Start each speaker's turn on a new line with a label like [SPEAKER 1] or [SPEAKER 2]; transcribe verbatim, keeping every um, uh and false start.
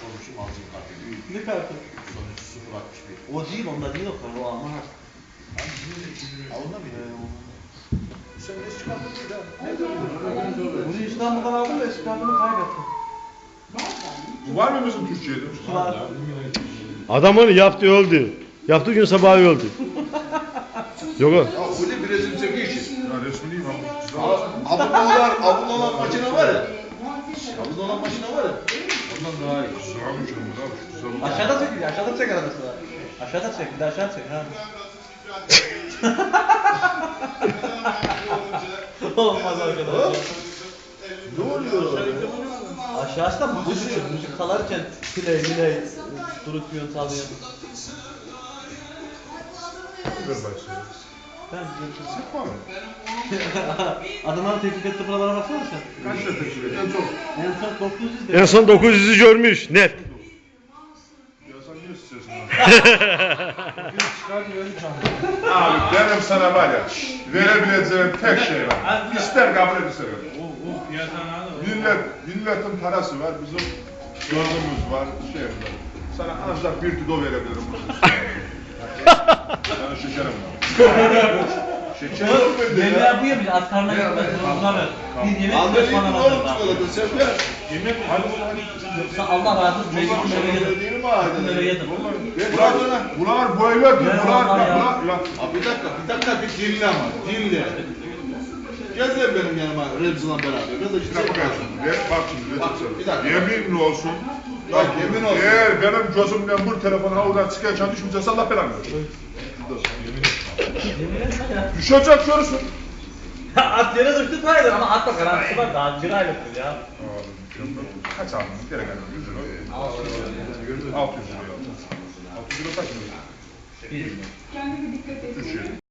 [SPEAKER 1] Sormuşum alacağım kartı.
[SPEAKER 2] Ne kartı?
[SPEAKER 1] Sonuç sıfır altmış bir.
[SPEAKER 2] O değil, onda değil o kart. O Alman harf.
[SPEAKER 1] Ha ondan mıydı? Sen ne çıkardın bir daha? Ne dedin?
[SPEAKER 2] Bunu İstanbul'dan aldım da İstanbul'u kaybettim.
[SPEAKER 3] Var mı bizim Türkiye'de?
[SPEAKER 2] Var.
[SPEAKER 4] Adam onu yaptı öldü. Yaptığı gün sabahı öldü. Yok o.
[SPEAKER 1] Ya öyle bir resim çekiyor ki.
[SPEAKER 3] Ya resmi değil mi?
[SPEAKER 1] Ablular, ablular makine var ya. Ablular makine var ya. Ondan daha iyi.
[SPEAKER 3] Sağmış onu abi. Şu güzel.
[SPEAKER 2] Aşağıda çek, aşağıda çek arada sıra. Aşağıda çek, bir de aşağı çek ha. Olmaz arkadaşlar.
[SPEAKER 1] Ne oluyor?
[SPEAKER 2] Aşağıda müzik, müzik kalarken play, play, durutuyorsun, çalıyorsun.
[SPEAKER 3] Ver başlayalım.
[SPEAKER 2] Ben
[SPEAKER 3] Sıkma mı?
[SPEAKER 2] adamlar teklif etti buralara baksana sen.
[SPEAKER 3] Kaç lira teşvik ediyor? En çok.
[SPEAKER 2] En son dokuz yüz de.
[SPEAKER 4] En son dokuz yüzü görmüş net.
[SPEAKER 3] Ya sen niye istiyorsun abi? Abi benim sana var ya, verebileceğim tek şey var. İster kabul et ister kabul et. Millet, milletin parası var, bizim yolumuz var, şey var. Sana ancak bir kilo verebilirim. Yani şekerim var. Şeker yok bende ya.
[SPEAKER 2] Yemeğe bu yemiş, az karnına gitmez. Bunlar bir yemek
[SPEAKER 1] Aldın
[SPEAKER 2] beş
[SPEAKER 1] ilk
[SPEAKER 2] bana
[SPEAKER 1] oğlum
[SPEAKER 2] bakar.
[SPEAKER 1] çikolata sen ver.
[SPEAKER 3] Yemek hadi hadi.
[SPEAKER 2] Yoksa Allah razı olsun. Mecbur böyle yedim.
[SPEAKER 1] Değil mi abi?
[SPEAKER 2] Böyle yedim.
[SPEAKER 3] Bunlar, bunlar böyle diyor,
[SPEAKER 2] Ne
[SPEAKER 3] bunlar,
[SPEAKER 2] onlar ya?
[SPEAKER 3] bunlar, bunlar.
[SPEAKER 1] Abi bir dakika, bir dakika bir dinle ama, dinle. Gel sen benim yanıma Remzi'yle beraber. Biraz da
[SPEAKER 3] Bir
[SPEAKER 1] işte
[SPEAKER 3] dakika bakın, ver, bak şimdi,
[SPEAKER 1] Bak,
[SPEAKER 3] ver
[SPEAKER 1] bir dakika.
[SPEAKER 3] yemin olsun.
[SPEAKER 1] Bak, yemin olsun.
[SPEAKER 3] Eğer benim gözümden bu telefonu havadan çıkarken düşmeyecekse Allah belanı versin.
[SPEAKER 2] Yemin etsene ya.
[SPEAKER 3] Düşecek görürsün.
[SPEAKER 2] At yere düştü sayılır ama atma garantisi var. Daha bir aylıktır ya.
[SPEAKER 3] Abi mükemmel. Kaç aldın? Gene gene yüz lira.
[SPEAKER 2] altı yüz lira.
[SPEAKER 3] altı yüz lira aldım. altı yüz lira kaç lira?
[SPEAKER 2] Bir.
[SPEAKER 5] Kendine dikkat et.
[SPEAKER 3] Üç yıl.